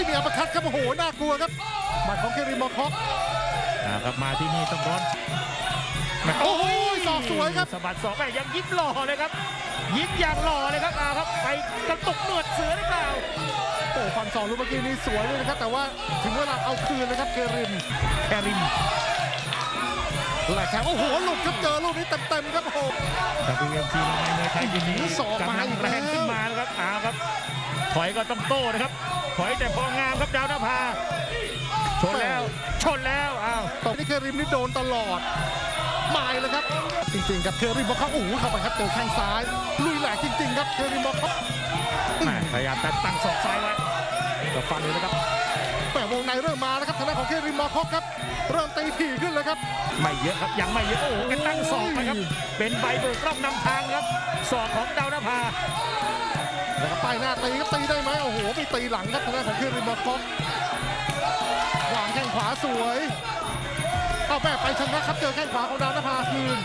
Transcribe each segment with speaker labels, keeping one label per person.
Speaker 1: มีอัปคัตครับโอ้โหน่ากลัวครับหมัดของเคริมมอคอก
Speaker 2: ครับมาที่นี่ต้องร้อน
Speaker 1: โอ้โหศอกสวยครับ
Speaker 2: สะบัดศอกแม่ยังยิ้มหล่อเลยครับยิ้มอย่างหล่อเลยครับครับไปกระตุกหนวดเสือหรือเปล่า
Speaker 1: โอ้ฟันศอกลูกเมื่อกี้นี้สวยเลยนะครับแต่ว่าถึงเวลาเอาคืนเลยครับเคริม
Speaker 2: แคริม
Speaker 1: แหละครับโอ้โหหลุดครับเจอลูกนี้เต็มๆครับโอ้โห
Speaker 2: WMC มวยไทยยินนี้
Speaker 1: ศอกมาก
Speaker 2: ำลัง
Speaker 1: อีก
Speaker 2: แร
Speaker 1: แล้ว
Speaker 2: งขึ้นมานะครับครับถอยก็ต้องโต้นะครับถอยแต่พองามครับดาวนภาชนแล้ว
Speaker 1: ตอนนี้เคริมนี่โดนตลอดหมายเลยครับจริงๆครับเคริมบอกเขาโอ้โหเข้าไปครับเจอแข้งซ้ายลุยแหลกจริงๆครับเคริมบอกเขา
Speaker 2: พยายามจะตั้งศอกซ้ายไว้จะฟันเลยนะครับ
Speaker 1: แต่วงในเริ่มมาแล้วครับทางด้านของเคริมมอคอกครับเริ่มตีถี่ขึ้นเลยครับ
Speaker 2: ไม่เยอะครับยังไม่เยอะโอ้โหกันตั้งศอกนะครับเป็นใบเบิกร่องนำทางครับศอกของดาวนภา
Speaker 1: แล้วก็ป้ายหน้าตีครับตีได้ไหมโอ้โหไปตีหลังครับทางด้านของเคริมมอคอกวางแข้งขวาสวยเอาแม่ไปชนะครับเจอแข้งขวาของดาวนภาคืน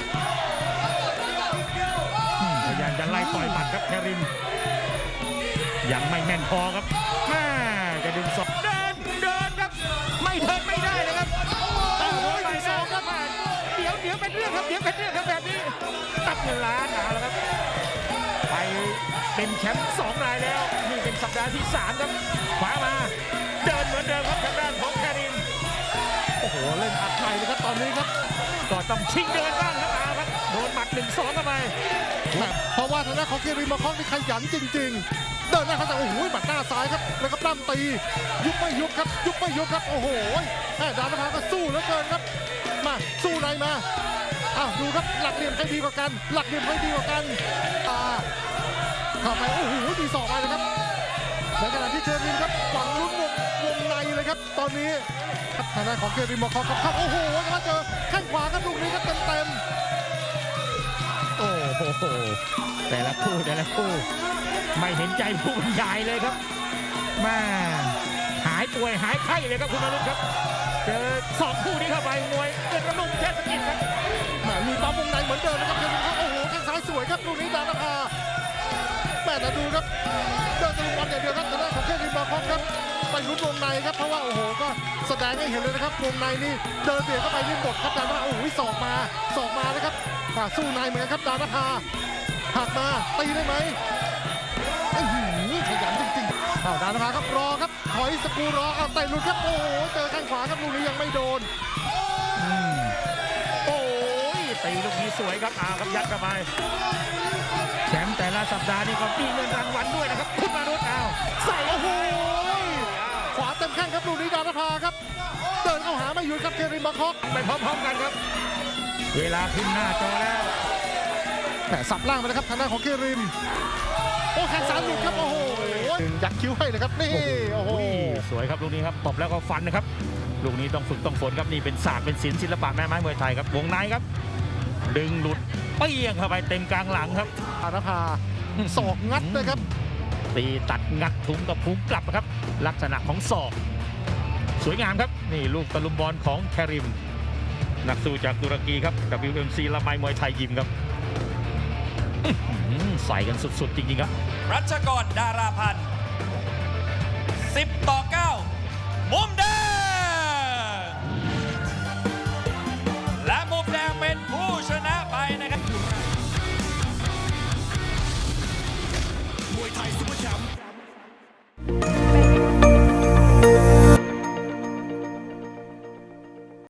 Speaker 2: พยายามจะไล่ต่อยหมัดครับแคริมยังไม่แม่นพอครับแม่จะดึงศอกเดินครับไม่เดินไม่ได้เลยครับโอ้โหไปศอกครับเดี๋ยวเป็นเรื่องครับแบบนี้ตัดเงินล้านแล้วครับไปเป็นแชมป์2 รายแล้วนี่เป็นสัปดาห์ที่3ครับขวามาเดินเหมือนเดิมครับทางด้านของแคริม
Speaker 1: โอ้โหเล่นอัดในเลยครับตอนนี้ครับ
Speaker 2: ก็ต้องชิงเดินบ้างครับครับโดนหมัด 1-2 เข้าไป
Speaker 1: เพราะว่าทางด้านของเคริมมอคอกนี่ขยันจริงๆเดินหน้าเขาแต่โอ้โหหมัดหน้าซ้ายครับแล้วก็ปล้ำตียุบไม่ยุบครับโอ้โหแม่ดาวนภาก็สู้เหลือเกินครับมาสู้ในมาอ้าวดูครับหลักเหลี่ยมใครดีกว่ากันเข้าไปโอ้โหมีศอกมาเลยครับในขณะที่เคริมครับหวังลุ้นวงในเลยครับตอนนี้ครับทางด้านของเคริมมอคอกครับโอ้โหแล้วเจอแข้งขวาครับลูกนี้ครับเต็ม
Speaker 2: โอ้โหแต่ละคู่ไม่เห็นใจผู้บรรยายเลยครับมาหายป่วยหายไข้เลยครับคุณนรุตครับเจอ2 คู่นี้เข้าไปมวยเกิดกระนุ่มแค่สกิดครับ
Speaker 1: มีปั๊มวงในเหมือนเดิมนะครับเคริมครับโอ้โหแข้งซ้ายสวยครับลูกนี้ดาวนภาแม่แต่ดูครับเดินตะลุมบอลอย่างเดียวครับทางด้านของเคริมมอคอกครับไปลุ้นวงในครับเพราะว่าโอ้โหก็แสดงให้เห็นเลยนะครับวงในนี่เดินเบียดเข้าไปนี่หมดครับดาวนภาโอ้โหศอกมานะครับสู้ในเหมือนกันครับดาวนภาหักมาตีได้ไหมขยันจริงๆดาวนภาครับรอครับถอยสกูรอเอาเตะหลุดครับโอ้โหเจอแข้งขวาครับลูกนี้ยังไม่โดน
Speaker 2: โอ้ยตีลูกนี้สวยครับครับยัดเข้าไปแชมป์แต่ละสัปดาห์นี่ก็มีเงินรางวัลด้วยนะครับคุณนรุต
Speaker 1: ใส่โอ้โหขวาเต็มแข้งครับลูกนี้ดาวนภาครับเดินเข้าหาไม่หยุดครับเคริมมอคอก
Speaker 2: ไปพร้อมๆกันครับเวลาขึ้นหน้าจอแล้ว
Speaker 1: แต่สับล่างไปเลยครับทางด้านของเคริมโอ้แข้งซ้ายหลุดครับโอ้โหยักคิ้วให้เลยครับนี่โอ้โห
Speaker 2: สวยครับลูกนี้ครับตบแล้วก็ฟันนะครับลูกนี้ต้องฝึกต้องฝนครับนี่เป็นศาสตร์เป็นศิลปะแม่ไม้มวยไทยครับวงในครับดึงหลุดเปี้ยงเข้าไปเต็มกลางหลังครับ
Speaker 1: ดาวนภาศอกงัดเลยครับ
Speaker 2: ตีตัดงัดถุงกับพุงกลับครับลักษณะของศอกสวยงามครับนี่ลูกตะลุมบอลของแคริมนักสู้จากตุรกีครับ WMC ละไมมวยไทยยิมครับใส่กันสุดๆจริงๆครับ
Speaker 3: รัชกร ดาราพันธ์10-9